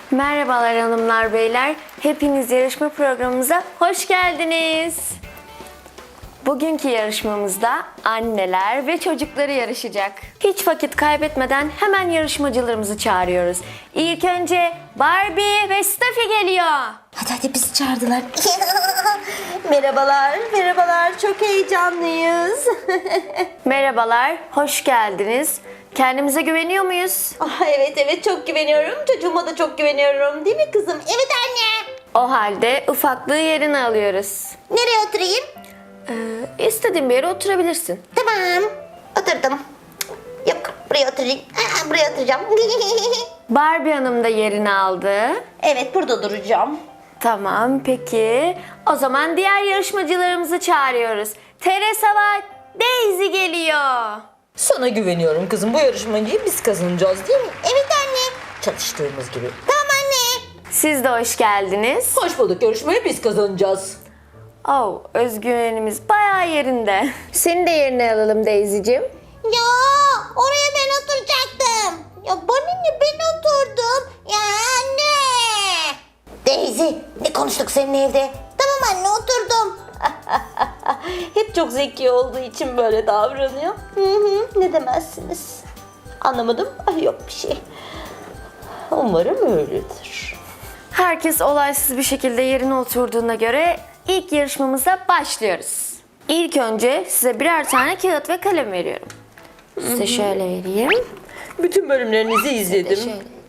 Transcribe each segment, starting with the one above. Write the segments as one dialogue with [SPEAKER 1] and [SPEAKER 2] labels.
[SPEAKER 1] Merhabalar hanımlar beyler. Hepiniz yarışma programımıza hoş geldiniz. Bugünkü yarışmamızda anneler ve çocukları yarışacak. Hiç vakit kaybetmeden hemen yarışmacılarımızı çağırıyoruz. İlk önce Barbie ve Steffi geliyor.
[SPEAKER 2] Hadi bizi çağırdılar. Merhabalar. Çok heyecanlıyız.
[SPEAKER 1] Merhabalar, hoş geldiniz. Kendimize güveniyor muyuz?
[SPEAKER 2] Evet çok güveniyorum. Çocuğuma da çok güveniyorum. Değil mi kızım? Evet anne.
[SPEAKER 1] O halde ufaklığı yerine alıyoruz.
[SPEAKER 2] Nereye oturayım?
[SPEAKER 1] İstediğin bir yere oturabilirsin.
[SPEAKER 2] Tamam. Oturdum. Yok buraya oturayım. Buraya oturacağım.
[SPEAKER 1] Barbie Hanım da yerini aldı.
[SPEAKER 2] Evet burada duracağım.
[SPEAKER 1] Tamam, peki. O zaman diğer yarışmacılarımızı çağırıyoruz. Teresa ve Daisy geliyor.
[SPEAKER 3] Sana güveniyorum kızım. Bu yarışmayı biz kazanacağız değil mi?
[SPEAKER 2] Evet anne.
[SPEAKER 3] Çalıştığımız gibi.
[SPEAKER 2] Tamam anne.
[SPEAKER 1] Siz de hoş geldiniz.
[SPEAKER 3] Hoş bulduk. Yarışmayı biz kazanacağız.
[SPEAKER 1] Oh, özgüvenimiz bayağı yerinde. Seni de yerine alalım Daisy'cim.
[SPEAKER 2] Ya oraya ben oturacaktım. Ya bana ne, ben oturdum. Ya anne. Daisy ne konuştuk seninle evde? Tamam anne oturdum.
[SPEAKER 3] Hep çok zeki olduğu için böyle davranıyor.
[SPEAKER 2] Ne demezsiniz?
[SPEAKER 3] Anlamadım. Ay yok bir şey. Umarım öyledir.
[SPEAKER 1] Herkes olaysız bir şekilde yerine oturduğuna göre ilk yarışmamıza başlıyoruz. İlk önce size birer tane kağıt ve kalem veriyorum. Size şöyle vereyim.
[SPEAKER 3] Bütün bölümlerinizi izledim.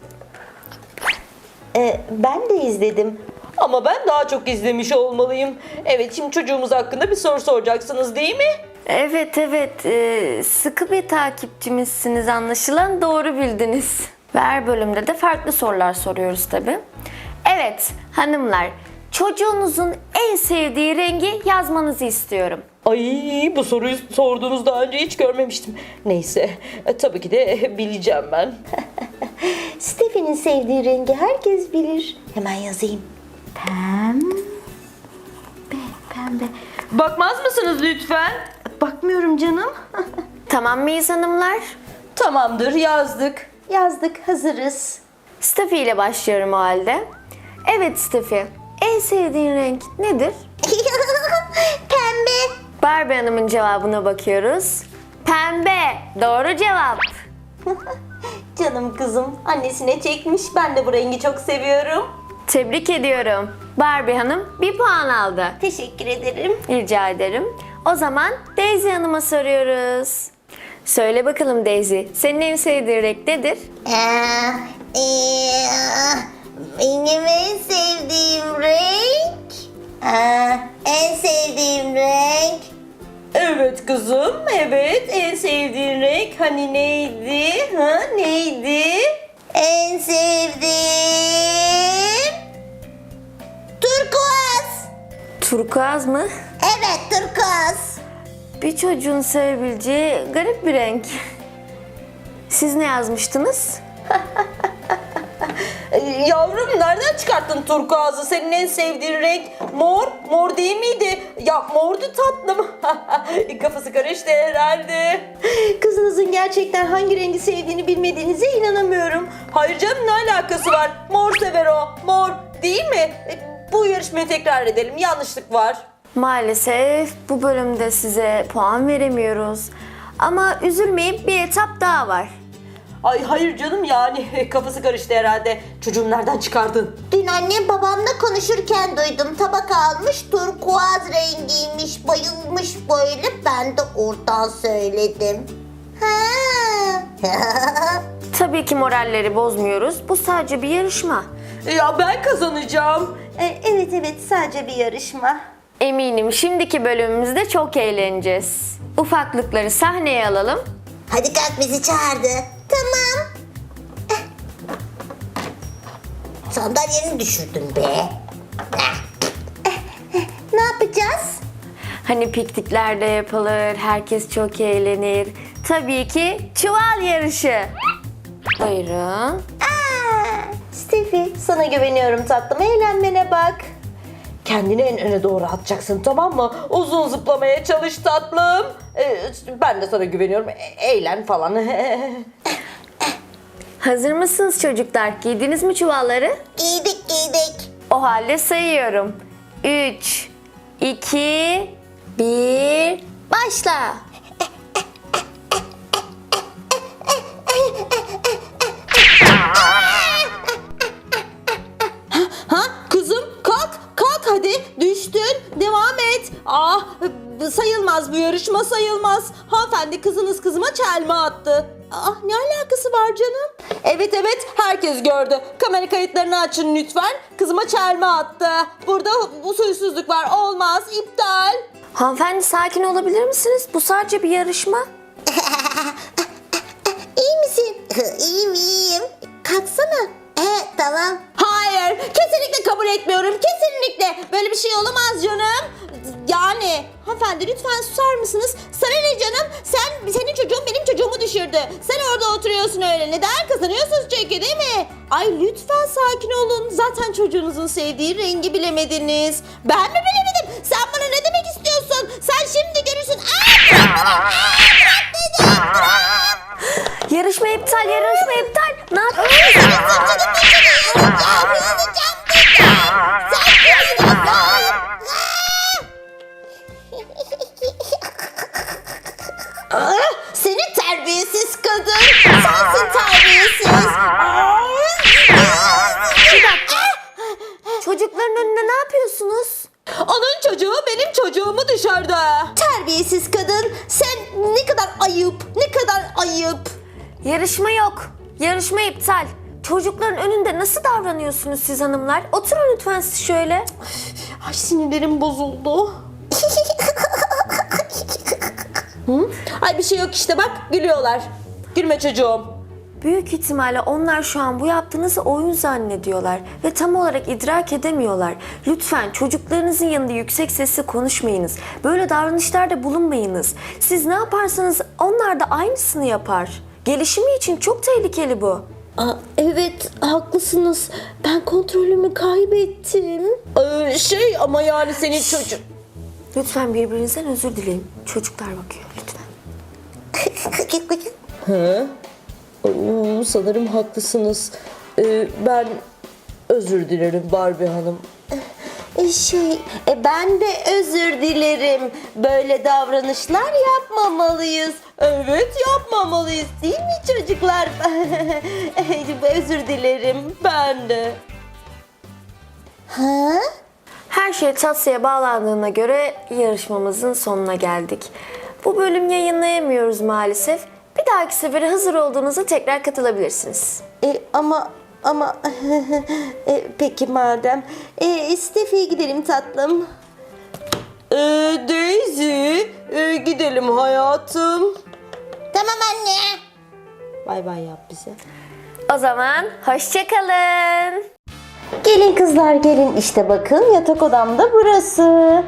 [SPEAKER 3] Ben de izledim. Ama ben daha çok izlemiş olmalıyım. Evet, şimdi çocuğumuz hakkında bir soru soracaksınız değil mi?
[SPEAKER 1] Evet, sıkı bir takipçimizsiniz anlaşılan, doğru bildiniz. Ve her bölümde de farklı sorular soruyoruz tabii. Evet hanımlar, çocuğunuzun en sevdiği rengi yazmanızı istiyorum.
[SPEAKER 3] Ay, bu soruyu sorduğunuz daha önce hiç görmemiştim. Neyse, tabii ki de bileceğim ben.
[SPEAKER 2] Stephen'in sevdiği rengi herkes bilir. Hemen yazayım. Pembe.
[SPEAKER 3] Bakmaz mısınız lütfen?
[SPEAKER 2] Bakmıyorum canım.
[SPEAKER 1] Tamam mıyız hanımlar?
[SPEAKER 3] Tamamdır, yazdık.
[SPEAKER 2] Yazdık, hazırız.
[SPEAKER 1] Steffi ile başlıyorum o halde. Evet Steffi, en sevdiğin renk nedir?
[SPEAKER 2] Pembe.
[SPEAKER 1] Barbie Hanım'ın cevabına bakıyoruz. Pembe, doğru cevap.
[SPEAKER 2] Canım kızım annesine çekmiş. Ben de bu rengi çok seviyorum.
[SPEAKER 1] Tebrik ediyorum. Barbie Hanım 1 puan aldı.
[SPEAKER 2] Teşekkür ederim.
[SPEAKER 1] Rica ederim. O zaman Daisy Hanım'a soruyoruz. Söyle bakalım Daisy, senin en sevdiğin renk nedir?
[SPEAKER 2] Benim en sevdiğim renk. En sevdiğim renk.
[SPEAKER 3] Evet kızım, evet. En sevdiğin renk hani neydi? Neydi?
[SPEAKER 2] En sevdiğim turkuaz.
[SPEAKER 1] Turkuaz mı?
[SPEAKER 2] Evet turkuaz.
[SPEAKER 1] Bir çocuğun sevebileceği garip bir renk. Siz ne yazmıştınız?
[SPEAKER 3] Yavrum, nereden çıkarttın turkuazı? Senin en sevdiğin renk mor. Mor değil miydi? Ya mordu tatlım. Kafası karıştı herhalde.
[SPEAKER 2] Kızınızın gerçekten hangi rengi sevdiğini bilmediğinize inanamıyorum.
[SPEAKER 3] Hayır canım, ne alakası var? Mor sever o. Mor değil mi? Bu yarışmayı tekrar edelim. Yanlışlık var.
[SPEAKER 1] Maalesef bu bölümde size puan veremiyoruz. Ama üzülmeyin, bir etap daha var.
[SPEAKER 3] Ay hayır canım, yani kafası karıştı herhalde. Çocuğum nereden çıkardın?
[SPEAKER 2] Dün annem babamla konuşurken duydum. Tabak almış, turkuaz rengiymiş, bayılmış böyle. Ben de oradan söyledim.
[SPEAKER 1] Tabii ki moralleri bozmuyoruz. Bu sadece bir yarışma.
[SPEAKER 3] Ya ben kazanacağım.
[SPEAKER 2] Evet sadece bir yarışma.
[SPEAKER 1] Eminim şimdiki bölümümüzde çok eğleneceğiz. Ufaklıkları sahneye alalım.
[SPEAKER 2] Hadi kalk, bizi çağırdı. Tamam. Sandalyeni düşürdün be. Ne yapacağız?
[SPEAKER 1] Hani piknikler de yapılır, herkes çok eğlenir. Tabii ki çuval yarışı. Buyurun.
[SPEAKER 2] Steffi, sana güveniyorum tatlım. Eğlenmene bak.
[SPEAKER 3] Kendini en öne doğru atacaksın, tamam mı? Uzun zıplamaya çalış tatlım. Ben de sana güveniyorum. Eğlen falan.
[SPEAKER 1] Hazır mısınız çocuklar? Giydiniz mi çuvalları?
[SPEAKER 2] Giydik.
[SPEAKER 1] O halde sayıyorum. 3, 2, 1, başla.
[SPEAKER 3] Ha kızım kalk hadi düştün devam et. Sayılmaz bu yarışma sayılmaz. Hanımefendi kızınız kızıma çelme attı. Ne alakası var canım? Evet herkes gördü. Kamera kayıtlarını açın lütfen. Kızıma çelme attı. Burada usulsüzlük var olmaz iptal.
[SPEAKER 1] Hanımefendi sakin olabilir misiniz? Bu sadece bir yarışma.
[SPEAKER 2] İyi misin? İyiyim. Kalksana. Tamam.
[SPEAKER 3] Hayır, kesinlikle kabul etmiyorum. Kesinlikle. Böyle bir şey olamaz canım. Yani hanımefendi lütfen susar mısınız? Sana ne canım? Senin çocuğun benim çocuğumu düşürdü. Sen orada oturuyorsun öyle. Neden? Kazanıyorsunuz çünkü değil mi? Ay lütfen sakin olun. Zaten çocuğunuzun sevdiği rengi bilemediniz. Ben mi bilemedim? Sen bana ne demek istiyorsun? Sen şimdi görürsün.
[SPEAKER 1] Yarışma iptal. Ne yapıyorsunuz?
[SPEAKER 3] Seni terbiyesiz kadın. Sensin terbiyesiz.
[SPEAKER 1] Bir dakika. Çocukların önünde ne yapıyorsunuz?
[SPEAKER 3] Onun çocuğu benim çocuğumu düşürdü. Terbiyesiz kadın. Sen ne kadar ayıp.
[SPEAKER 1] Yarışma yok. Yarışma iptal. Çocukların önünde nasıl davranıyorsunuz siz hanımlar? Oturun lütfen siz şöyle.
[SPEAKER 3] Ay sinirlerim bozuldu. Ay bir şey yok işte bak gülüyorlar. Gülme çocuğum.
[SPEAKER 1] Büyük ihtimalle onlar şu an bu yaptığınızı oyun zannediyorlar ve tam olarak idrak edemiyorlar. Lütfen çocuklarınızın yanında yüksek sesle konuşmayınız. Böyle davranışlarda bulunmayınız. Siz ne yaparsanız onlar da aynısını yapar. Gelişimi için çok tehlikeli bu.
[SPEAKER 3] Evet haklısınız. Ben kontrolümü kaybettim. Ama yani senin çocuk.
[SPEAKER 1] Lütfen birbirinizden özür dileyin. Çocuklar bakıyor lütfen.
[SPEAKER 3] Sanırım haklısınız. Ben özür dilerim Barbie Hanım. Ben de özür dilerim. Böyle davranışlar yapmamalıyız. Evet yapmamalıyız değil mi çocuklar? Özür dilerim ben de.
[SPEAKER 1] Her şey tatsıya bağlandığına göre yarışmamızın sonuna geldik. Bu bölüm yayınlayamıyoruz maalesef. Bir dahaki sefere hazır olduğunuzda tekrar katılabilirsiniz.
[SPEAKER 3] Ama peki madem. Steffi'ye gidelim tatlım. Daisy gidelim hayatım.
[SPEAKER 2] Tamam anne.
[SPEAKER 3] Bay bay yap bize.
[SPEAKER 1] O zaman hoşça kalın.
[SPEAKER 3] Gelin kızlar gelin işte bakın yatak odam da burası.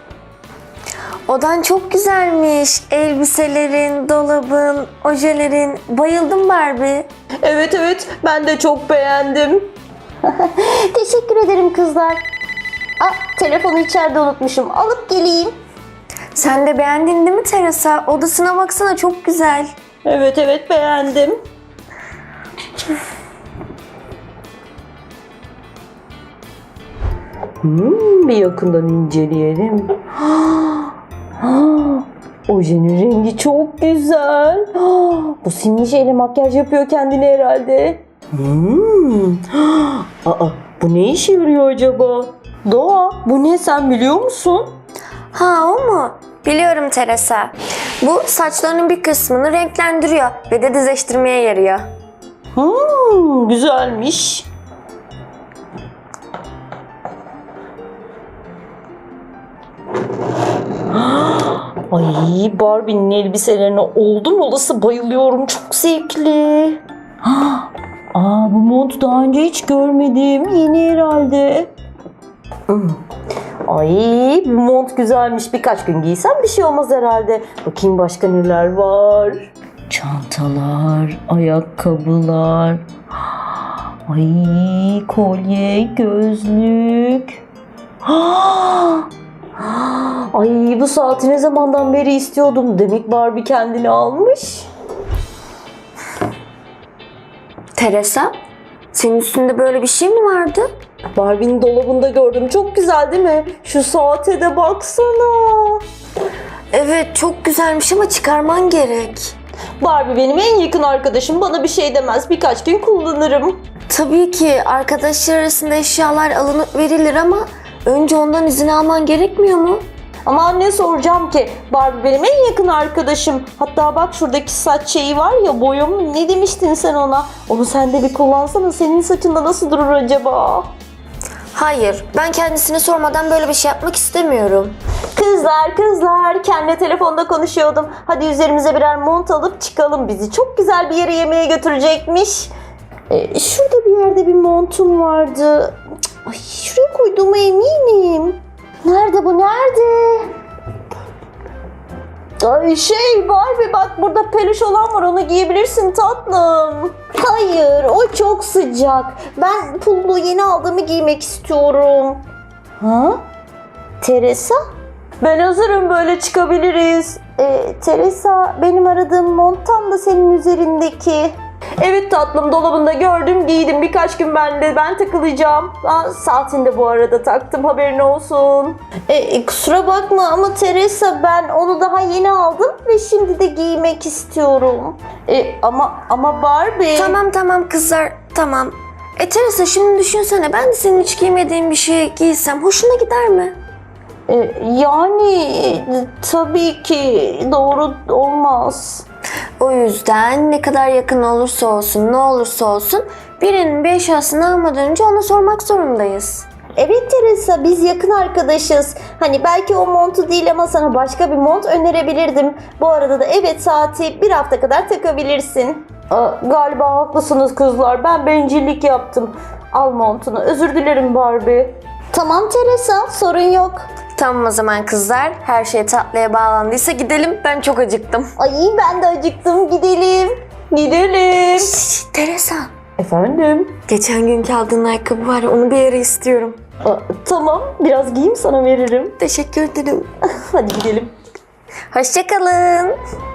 [SPEAKER 1] Odan çok güzelmiş. Elbiselerin, dolabın, ojelerin. Bayıldım Barbie.
[SPEAKER 3] Evet ben de çok beğendim. Teşekkür ederim kızlar. Telefonu içeride unutmuşum. Alıp geleyim.
[SPEAKER 1] Sen de beğendin değil mi Teresa? Odasına baksana çok güzel.
[SPEAKER 3] Evet beğendim. Bir yakından inceleyelim. Ojenin rengi çok güzel. Bu simli şeyle makyaj yapıyor kendine herhalde. Bu ne işe yarıyor acaba? Doğa, bu ne sen biliyor musun?
[SPEAKER 1] Ha o mu? Biliyorum Teresa. Bu saçlarının bir kısmını renklendiriyor ve de düzleştirmeye yarıyor.
[SPEAKER 3] Güzelmiş. Ay Barbie'nin elbiselerine oldum olası bayılıyorum. Çok zevkli. Bu montu daha önce hiç görmedim. Yeni herhalde. Ay bu mont güzelmiş. Birkaç gün giysem bir şey olmaz herhalde. Bakayım başka neler var. Çantalar, ayakkabılar. Ay kolye, gözlük. Ay bu saati ne zamandan beri istiyordum. Demek Barbie kendini almış.
[SPEAKER 1] Teresa, senin üstünde böyle bir şey mi vardı?
[SPEAKER 3] Barbie'nin dolabında gördüm. Çok güzel değil mi? Şu saate de baksana.
[SPEAKER 1] Evet, çok güzelmiş ama çıkarman gerek.
[SPEAKER 3] Barbie benim en yakın arkadaşım. Bana bir şey demez. Birkaç gün kullanırım.
[SPEAKER 1] Tabii ki arkadaşlar arasında eşyalar alınıp verilir ama önce ondan izin alman gerekmiyor mu?
[SPEAKER 3] Ama anne soracağım ki Barbie benim en yakın arkadaşım. Hatta bak şuradaki saç şeyi var ya, boyum, ne demiştin sen ona? Onu sen de bir kullansana, senin saçında nasıl durur acaba?
[SPEAKER 1] Hayır, ben kendisine sormadan böyle bir şey yapmak istemiyorum.
[SPEAKER 3] Kızlar kendi telefonda konuşuyordum. Hadi üzerimize birer mont alıp çıkalım, bizi çok güzel bir yere yemeğe götürecekmiş. Şurada bir yerde bir montum vardı. Ay, şuraya koyduğuma eminim. Nerede bu, nerede? Ay Barbie bak, burada peluş olan var, onu giyebilirsin tatlım. Hayır, o çok sıcak. Ben pullu yeni aldığımı giymek istiyorum. Ha? Teresa? Ben hazırım, böyle çıkabiliriz. Teresa, benim aradığım mont tam da senin üzerindeki. Evet tatlım, dolabında gördüm, giydim. Birkaç gün ben takılacağım. Saatini de bu arada taktım, haberin olsun. Kusura bakma ama Teresa, ben onu daha yeni aldım ve şimdi de giymek istiyorum. Ama Barbie...
[SPEAKER 1] Tamam kızlar, tamam. Teresa, şimdi düşünsene, ben de senin hiç giymediğin bir şey giysem hoşuna gider mi?
[SPEAKER 3] Tabii ki doğru olmaz.
[SPEAKER 1] O yüzden ne kadar yakın olursa olsun, ne olursa olsun birinin bir eşyasını almadan önce ona sormak zorundayız.
[SPEAKER 3] Evet Teresa, biz yakın arkadaşız. Hani belki o montu değil ama sana başka bir mont önerebilirdim. Bu arada da evet, saati bir hafta kadar takabilirsin. Galiba haklısınız kızlar. Ben bencillik yaptım. Al montunu. Özür dilerim Barbie. Tamam Teresa, sorun yok.
[SPEAKER 1] Tamam o zaman kızlar, her şey tatlıya bağlandıysa gidelim. Ben çok acıktım.
[SPEAKER 3] Ay ben de acıktım. Gidelim. Gidelim.
[SPEAKER 1] Teresa,
[SPEAKER 3] Efendim?
[SPEAKER 1] geçen günkü aldığın ayakkabı var ya, onu bir yere istiyorum.
[SPEAKER 3] Tamam, biraz giyeyim sana veririm.
[SPEAKER 1] Teşekkür ederim.
[SPEAKER 3] Hadi gidelim.
[SPEAKER 1] Hoşça kalın.